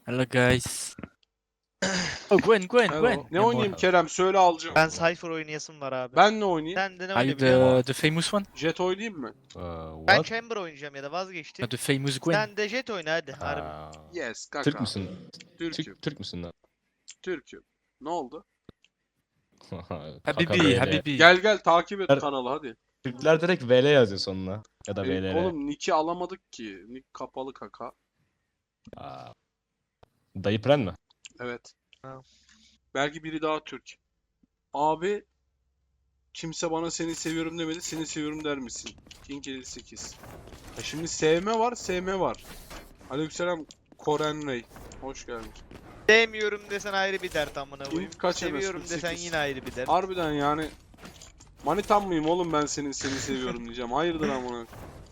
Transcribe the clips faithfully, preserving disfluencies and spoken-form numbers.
Hello guys. Oh Gwen, Gwen, Hello. Gwen. Ne Yeah, oynayayım more. Kerem? Söyle alacağım. Ben Cypher oynayasım var abi. Ben ne oynayayım? Sen de ne Are you oynayabiliyorsun? the, the famous one? Jet oynayayım mı? Uh, Ben what? Chamber oynayacağım ya da vazgeçtim. Uh, the famous Gwen. Sen de Jet oyna hadi harbi. Aa, Yes kaka. Türk müsün? Türk'üm. Türk, Türk müsün lan? Türk'üm. Ne oldu? Kaka Habibi, V L. Habibi. Gel gel takip et Her- kanalı hadi. Türkler direkt V L yazıyor sonuna. Ya da Benim- V L R. oğlum nick'i alamadık ki. Nick kapalı kaka. Aa. Dayı Pren mi? Evet. Ha. Belki biri daha Türk. Abi kimse bana seni seviyorum demedi. Seni seviyorum der misin? King elli sekiz. Ya şimdi sevme var, sevme var. Aleykümselam Koren Rey. Hoş geldin. Sevmiyorum desen ayrı bir dert amına koyayım. İlk kaç Seviyorum MS? desen sekiz. yine ayrı bir dert. Harbiden yani manitam mıyım oğlum ben senin seni seviyorum diyeceğim. Hayırdır amına.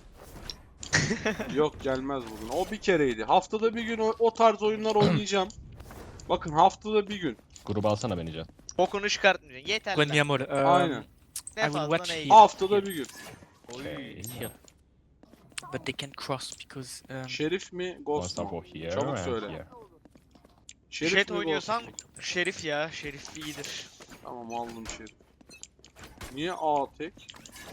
Yok gelmez bugün. O bir kereydi. Haftada bir gün o, o tarz oyunlar oynayacağım. Bakın haftada bir gün. Gruba alsana beni Can. Bokunu çıkartmayacaksın. Yeter Gwen, lan. mi amor. Um, Aynen. I Ne will fazla watch ne here. iyi. Haftada bir gün. Okay, here. But they can't cross because um, Şerif mi One Ghost stop mu? for here Çabuk and söyle. here. Şerif Jet mi Ghost oynuyorsan mu? Şerif ya. Şerif iyidir. Tamam aldım Şerif. Niye A tek?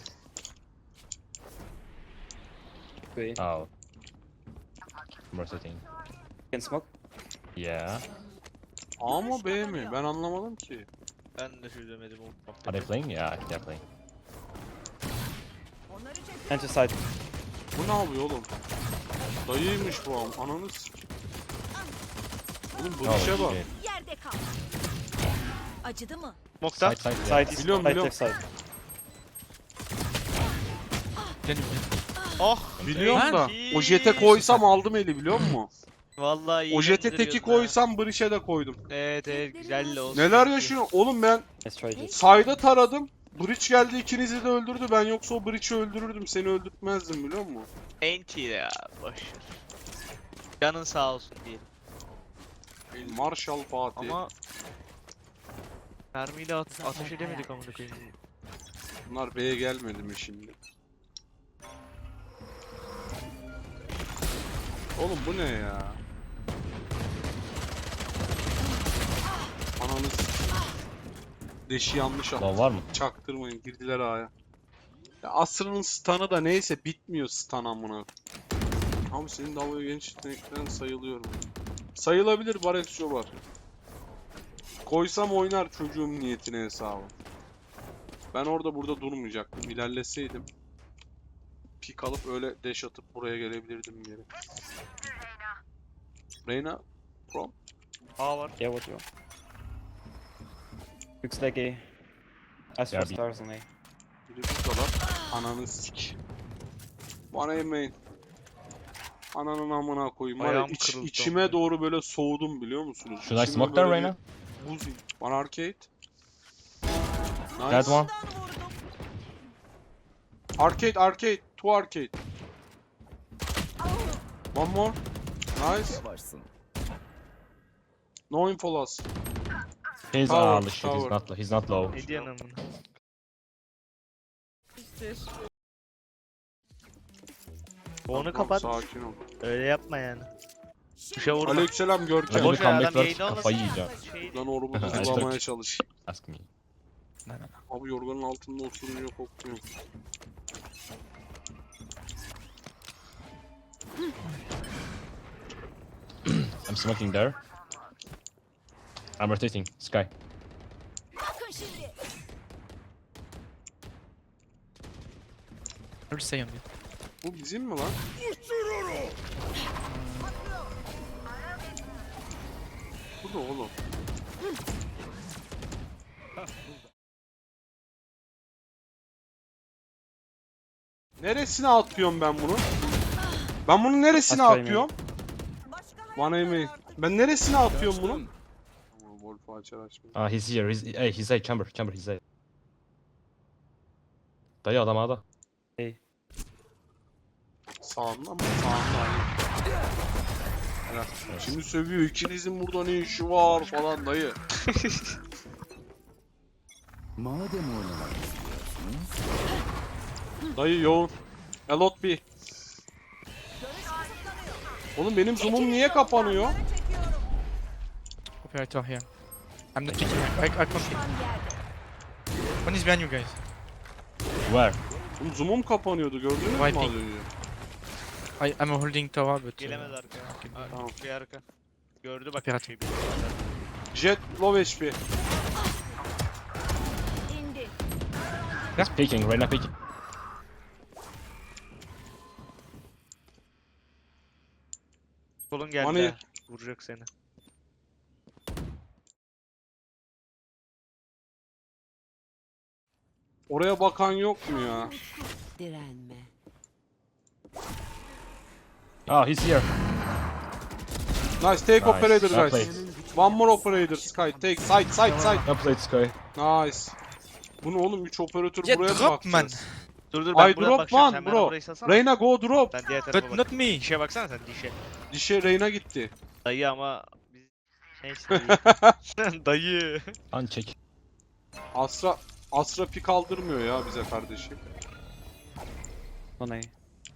Oh. More setting. Can smoke? Yeah. A mı B mi? Ben anlamadım ki. Ben de çözemedim o Are they muhabbeti. playing? Yeah, they're playing. Enter side. Bu ne yapıyor oğlum? Dayıymış bu am. Ananı sik. Oğlum bu Oh, işe bak. shit. Yerde kal. Acıdı mı? Mokta. Side, side, yeah. Side is Biliyorum, side, biliyorum. left side. then Oh. Biliyorum da. iyi. O jete koysam aldım eli biliyor musun? Vallahi iyi. O jete teki gönderiyorsun ha. koysam Breach'e de koydum. Evet evet güzel de olsun. Neler yaşıyor? Oğlum ben Let's try this. sayda taradım. Breach geldi ikinizi de öldürdü. Ben yoksa o Breach'i öldürürdüm. Seni öldürtmezdim biliyor musun? Enti ya boş. ver. Canın sağ olsun diyelim. Marshall Fatih. Ama mermiyle at ateş edemedik amına koyayım. Bunlar B'ye gelmedi mi şimdi? Oğlum bu ne ya? Ananı s- Deşi yanlış Lan attı. var mı? Çaktırmayın girdiler A'ya. Ya Asra'nın stun'ı da neyse bitmiyor stun amına. Abi senin dalga genç yeteneklerin sayılıyorum. Sayılabilir Barex Jobar. Koysam oynar çocuğum niyetine hesabı. Ben orada burada durmayacaktım. İlerleseydim. Pik alıp öyle dash atıp buraya gelebilirdim geri. Reyna Prom. A var. Yeah, what you want? Looks like A. As Yeah, for B. stars on A. Biri buradalar. Ananı sik. Bana yemeyin. Ananın amına koyayım. Var ya, Ayağım iç- kırıldı içime amına. doğru böyle soğudum biliyor musunuz? Should I İçime smoke there, böyle Reyna? bir Buz. One arcade. That Nice. one? Arcade, arcade. Two arcade. One more. Nice. No info loss. He's Tower, ah, the shit. He's tower. not. He's not low. Ne diyorsun amına? Onu Tamam, kapat. Sakin ol. Öyle yapma yani. Dışa vurma. Aleykümselam Görkem. Hadi Boş ver, comeback adam work, yayını kafayı olmasın. yiyeceğim. Şey, Ben orumu Nice bulamaya work. çalış. Ask me. no, no, no. Abi yorganın altında osurunca kokmuyor. I'm smoking there. I'm rotating. Sky. Bakın şimdi. I'll say on you. Bu bizim mi lan? Bu da oğlum. Neresine atıyorum ben bunu? Ben bunu neresine Aşağı atıyorum? Bana yemeyin. Ben neresine atıyorum bunu? Tamam, Wolf'u açar açmıyor. Ah, he's here. He's hey, he's A. Chamber. Chamber. He's A. Dayı adam A'da. Sağında mı? Sağında aynen. Helal. Şimdi sövüyor. İkinizin burada ne işi var falan dayı. Madem oynamak istiyorsunuz, Dayı yoğun. A lot B. Oğlum benim zoom'um niye kapanıyor? Çekiyorum. operator here. I'm not picking. I, I can't pick. Düşman yerde. One is behind you guys. Where? Oğlum zoom'um kapanıyordu gördünüz mü Wiping. az önce? I, I'm holding tower, but. uh, Gelemez arkaya. Aa, Tamam. Bir arka. Gördü bak. Operator. Şey, Jet low H P. İndi. He's peeking, Reyna peeking. Kolun geldi. Hani- ha. Vuracak seni. Oraya bakan yok mu ya? Direnme. Oh, he's here. Nice take Nice. operator Well guys. played. One more operator Sky. Take side side side. Well played, Sky. Nice. Bunu oğlum üç operatör Jet buraya mı drop man. bakacağız? Dur dur ben I buradan drop bakacağım. one Sen bana bro. burayı salsana. Reyna go drop. Sen diğer tarafa But bak. not me. Dişe baksana sen dişe. Dişe Reyna gitti. Dayı ama biz... Neyse dayı. Dayı. Uncheck. Asra Asra pik aldırmıyor ya bize kardeşim. One A.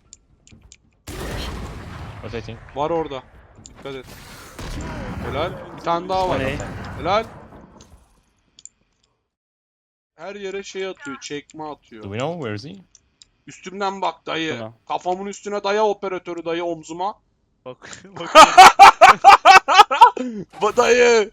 Rotating. Var orada. Dikkat et. Helal. Bir tane daha var. One A. Helal. Her yere şey atıyor, çekme Do atıyor. we know where is he? Üstümden bak dayı. Tamam. Kafamın üstüne daya operatörü dayı omzuma. Bak. Bak. Ba dayı.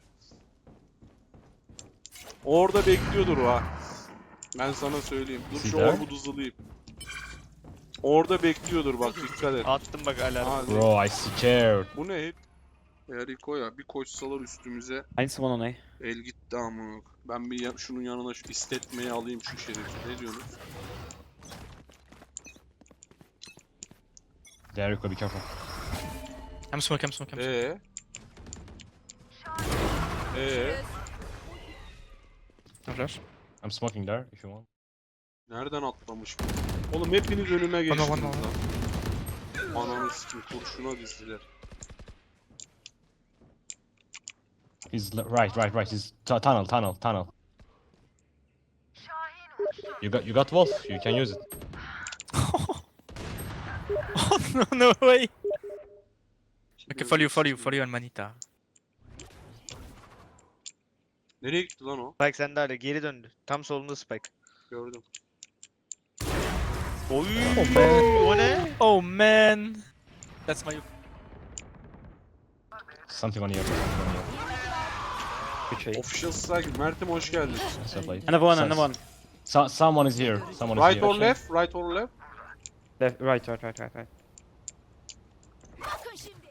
Orada bekliyordur o ha. Ben sana söyleyeyim. Dur şu Sider? orbu hızlıyım. Orada bekliyordur bak dikkat et. Attım bak alarm. Ha, Bro, I scared. bu ne hep? Eriko ya bir koşsalar üstümüze I need someone on A. el gitti ama. Ben bir ya- şunun yanına şu istetmeyi alayım şu şerifi. Ne diyorsunuz? Jericho, be careful. I'm smoke, I'm smoke, I'm smoke. Ee? Ee? No flash. I'm smoking there if you want. Nereden atlamış bu? Oğlum hepiniz önüme Bana, geçtiniz bana, lan. Ananı sikim kurşuna dizdiler. He's le- right, right, right. He's tu- tunnel, tunnel, tunnel. You got, you got Wolf. You can use it. Oh no, no way. Okay, follow you, follow you, follow you on Manita. Nereye gitti lan o? Spike sende hala geri döndü. Tam solunda Spike. Gördüm. Oy. Oh man. O ne? Oh man. That's my. Something on you. Something on you. Good trade. Official strike. Mert'im hoş geldin. So played. Another one, Sense. another one. So, someone is here. Someone is Right here. or left? Right or left? Left, right, right, right, right, right. Bakın şimdi.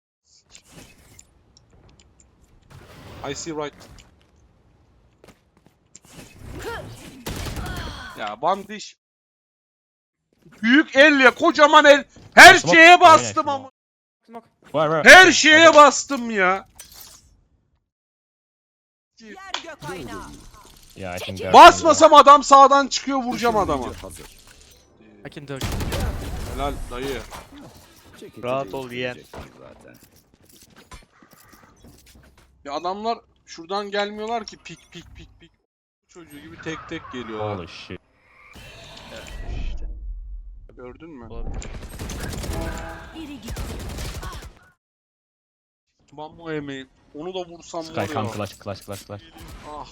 I see right. Ya bandiş. Büyük el ya kocaman el. Her Smoke. şeye Aynen, bastım smoke. ama. Smoke. Where, where? Her şeye bastım ya. Yer gök aynağı. Yeah, I think they're- Basmasam adam sağdan çıkıyor vuracağım adamı. Hazır. I can dodge. Helal dayı. Çekici Rahat ol yeğen. değiştireceksin zaten. Ya adamlar şuradan gelmiyorlar ki pik pik pik pik. Çocuğu gibi tek tek geliyorlar. Holy shit. İşte. Gördün mü? Olabilir. Biri gitti. Bambo yemeği. Onu da vursam Sky, var come, ya. clutch, clutch, clutch, clutch. Ah.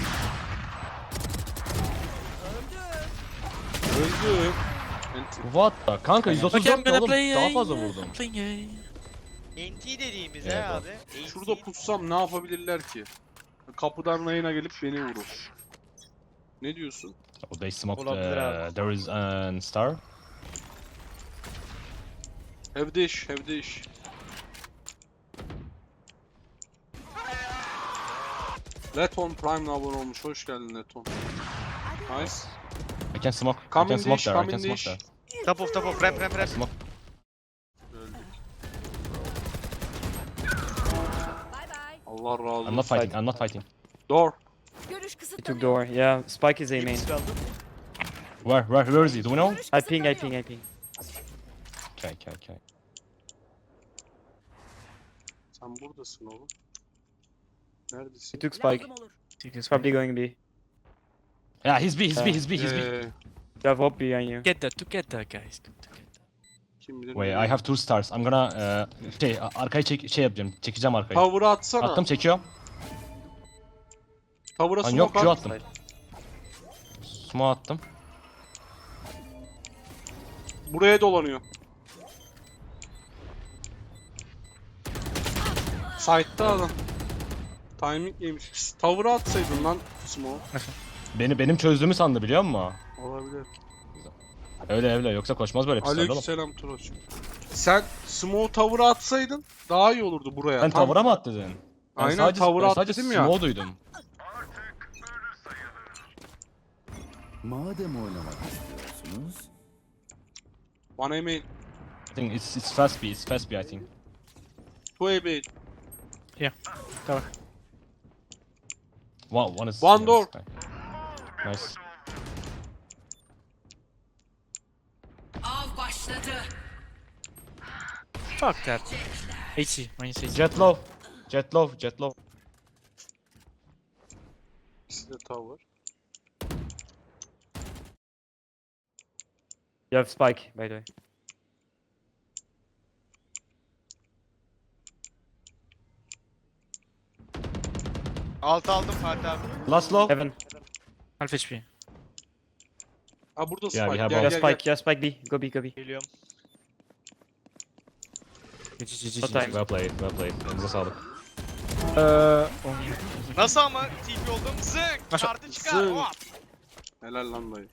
Öldü. Enti. What the? Kanka yüz otuz Okay, I'm dört gonna oğlum. play. Daha uh, fazla yeah, vurdum. I'm playing. Uh, N T dediğimiz Evet, he bak. abi. N T. Şurada pussam ne yapabilirler ki? Kapıdan rayına gelip beni vurur. Ne diyorsun? Oh, they smoked. Olabilir Uh, abi. there is an star. Evde iş, evde iş. Leton Prime'la abone olmuş. Hoş geldin Leton. Nice. I can smoke. I Come can in smoke dish, there. I come can in smoke dish. there. Top of top of ramp ramp I ramp. smoke. Öldük. Bay bay. Allah razı olsun. I'm not fighting. I'm not fighting. Door. Görüş He took kısıtlanıyor. door. Yeah, Spike is A main. Hepsi kaldı. Where? Where? Where is he? Do we know? Görüş I ping, I kısıtlanıyor. ping, I ping. Okay, okay, okay. Sen buradasın oğlum. He Neredesin? took Spike. Lazım olur. see this Probably going B. Yeah, he's B. He's B. He's B. He's B. Ee, You have Hop behind you. Get that together, guys. Come together. kim bilir Wait, nereye- I have two stars. I'm gonna uh, şey a- arkayı çek şey yapacağım. Çekeceğim arkayı. Power'ı atsana. Attım, çekiyorum. Tavura Lan yok, smoke Q at. attım. Smoke attım. Buraya dolanıyor. Side'da adam. Timing yemiş. Pis, Tavura atsaydın lan smoke. Beni benim çözdüğümü sandı biliyor musun? Olabilir. Öyle öyle yoksa koşmaz böyle pisler oğlum. Aleykümselam Turoç. Sen smoke tavura atsaydın daha iyi olurdu buraya. Sen Tam- tavura mı at dedin? Ben Aynen, sadece, tavura ben at sadece dedim ya. smoke duydum. Madem oynamak istiyorsunuz, One A main. I think it's it's fast B, it's fast B I think. Two A main. One, one is One yeah, door. this guy. Nice. Av başladı. Fuck that. eighty, minus eighty. Jet low. Jet low, jet low. İkisi de tower. You have spike, by the way. Alt aldım Fatih abi. Last low. Heaven. Half H P. Ha burada Yeah, spike. we have Gel Yeah, gel spike, gel. yeah, spike B. Go B, go B. Geliyorum. G G G G. No time. Well played, well played. Elinize sağlık. Uh, Nasıl ama T P oldum? Zık! Nasıl? Kartı çıkar. Zık. Hop! Helal lan dayı.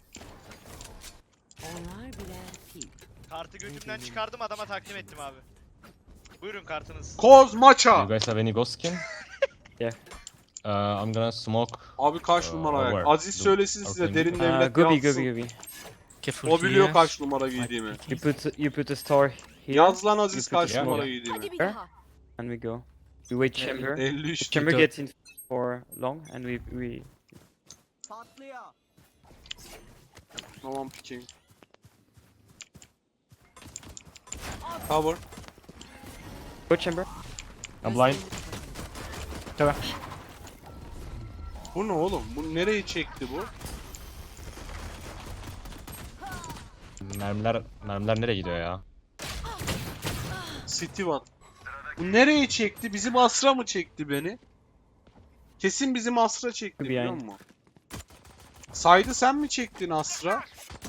Onlar birer fil. Kartı götümden çıkardım adama takdim ettim abi. Buyurun kartınız. Koz You maça. guys have any ghost skin? Yeah. Uh, I'm gonna smoke. Abi kaç Aa, numara ayak? over. Aziz Dur. söylesin size Aferin. derin uh, devlet go B, go yazsın. B, go B. Careful O biliyor here. kaç numara giydiğimi. You put you put a store here, Yaz lan Aziz You kaç put it- numara Yeah. giydiğimi. Hadi bir Where? daha. and we go. We wait Yeah, chamber. elli üç. Chamber Go. gets in for long, and we we. Tamam picking. Tower. Go chamber. I'm blind. Bu ne oğlum? Bu nereyi çekti bu? Mermiler, mermiler nereye gidiyor ya? City One. Bu nereyi çekti? Bizim Asra mı çekti beni? Kesin bizim Asra çekti Tabii biliyor yani. musun? Saydı sen mi çektin Asra?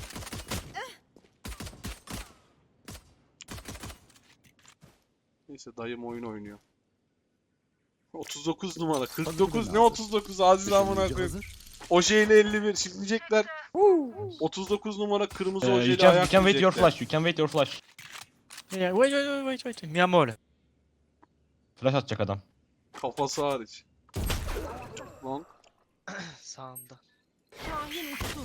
Neyse dayım oyun oynuyor. otuz dokuz numara. kırk dokuz ne otuz dokuz Aziz amına düşününce koyayım. hazır. Ojeyle elli bir. Şimdi diyecekler. otuz dokuz numara kırmızı Uh, you ojeyle can, you ayak can wait your diyecekler. flash, you can wait your flash. Yeah, wait, wait, wait, wait, wait. Mi amor. Flash atacak adam. Kafası hariç. Lan. Sağında. Şahin uçtu.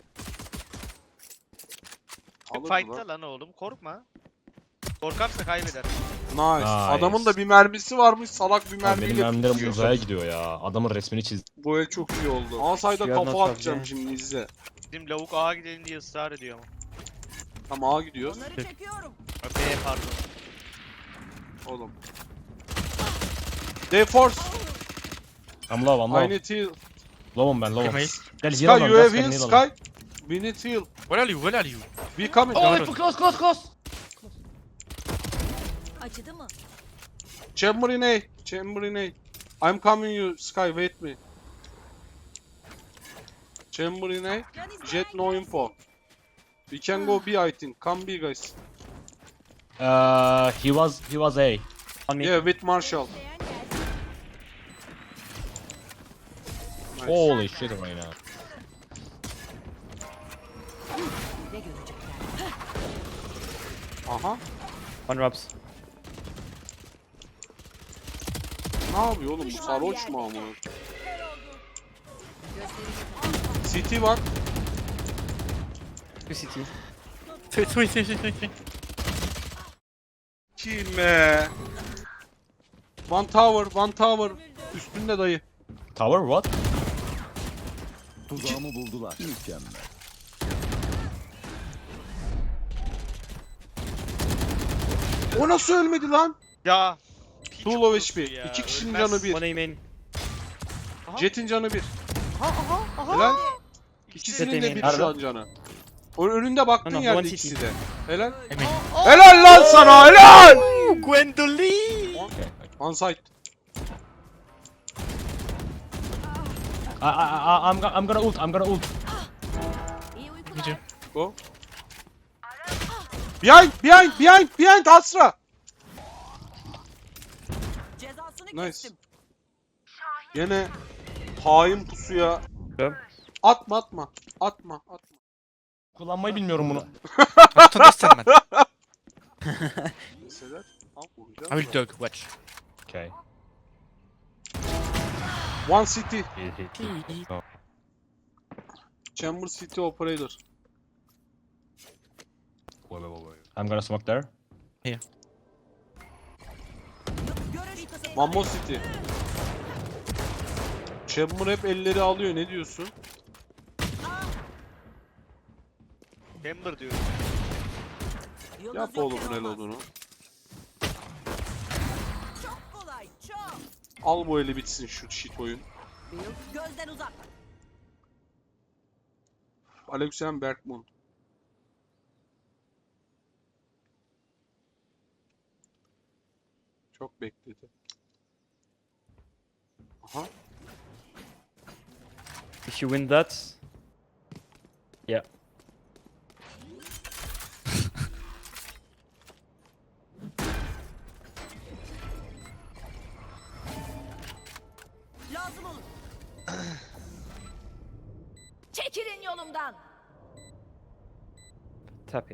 Alırdı lan. Fight'ta lan oğlum korkma. Korkarsa kaybeder. Nice. Nice. Adamın da bir mermisi varmış. Salak bir Abi mermiyle benim mermilerim tutuyor. uzaya gidiyor ya. Adamın resmini çiz. Bu el çok iyi oldu. Asayda You are kafa not atacağım okay. şimdi izle. Bizim lavuk A'ya gidelim diye ısrar ediyor ama. Tamam A gidiyoruz. Onları çekiyorum. Öpeye pardon. Oğlum. D-Force. I'm low, I'm I low. need heal. Low'um ben, low'um. Okay, Gel Sky, heal you alalım, have Sky, heal, heal alalım. Sky. We need heal. Where are you? Where are you? We coming. Oh, Yavrum. wait, close, close, close! Acıdı mı? Chamber in A. Chamber in A. I'm coming you, Sky. Wait me. Chamber in A. Jet no info. We can go B I think. Come B guys. Uh, he was, he was A. On me. Yeah, with Marshall. Beğen gelsin. Nice. Holy shit right now. Ne görecekler? Aha. On Robs. Ne yapıyor oğlum bu sarhoş mu ama? City var. Two C T. Three, three, three, three, three, three. Kime? One tower, one tower. Üstünde dayı. Tower, what? Tuzağımı buldular. Mükemmel. O nasıl ölmedi lan? Ya. piç Two low kurusu H P. ya, İki kişinin ölmez. canı bir. One A main. Jet'in canı bir. Aha aha aha. Helal. İkisi İkisinin Jet de emin. bir şu an canı. O önünde baktığın No, no, yerde one ikisi city. de. Helal. Emin. Helal lan sana helal. Gwendoline! Okay. On site. I, I, I, I'm, go- I'm gonna ult. I'm gonna ult. İyi uykular. Gidiyor. Go. Behind, behind, behind, behind Asra. Cezasını Nice. kestim. Gene hain pusuya. Go. Atma atma. Atma atma. Kullanmayı bilmiyorum bunu. I don't understand, man. Deseler. Al I vuracağım. will dog, watch. Okay. One city. He- he- he- oh. Chamber City Operator. Wait, wait, wait, wait. I'm gonna smoke there. Görüş kısıtlanıyor. Mammo City. Chamber hep elleri alıyor. Ne diyorsun? Chamber diyor. Yıldız Yap yok oğlum yer el olmaz. olduğunu. Çok kolay, çok. Al bu eli bitsin şu shit oyun. Gözden uzak. Aleykümselam Berkmun. Çok bekledi. Aha. If you win that, yeah. Lazım olur. Çekilin yolumdan. Tap it.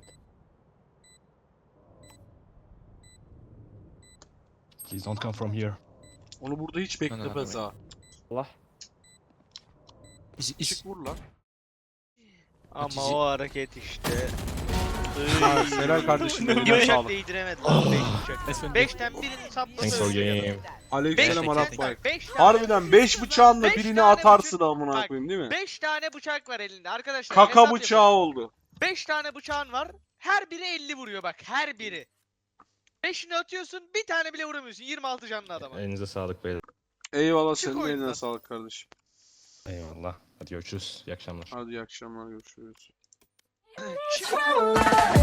Please don't come from here. Onu burada hiç no, no, beklemez no. ha. Allah. Is, is, Çık vur lan. Ama Atizi- o hareket işte. Ha, helal kardeşim, Bir eline bıçak sağlık. değdiremedi lan beş bıçak. Let's win. Beşten birini sapladı. Thanks for game. Aleykümselam Beş Arap tane- Bayık. beş tane- Harbiden beş bıçağınla Beş birini tane atarsın bıçak- amına Bak, koyayım değil mi? Beş tane bıçak var elinde arkadaşlar. Kaka hesap bıçağı yapın. oldu. Beş tane bıçağın var. Her biri elli vuruyor bak. Her biri. Beşini atıyorsun bir tane bile vuramıyorsun. yirmi altı canlı adama. Elinize sağlık beyler. Eyvallah Çık senin de oyundan. eline sağlık kardeşim. Eyvallah. Hadi görüşürüz. İyi akşamlar. Hadi iyi akşamlar görüşürüz. Çık.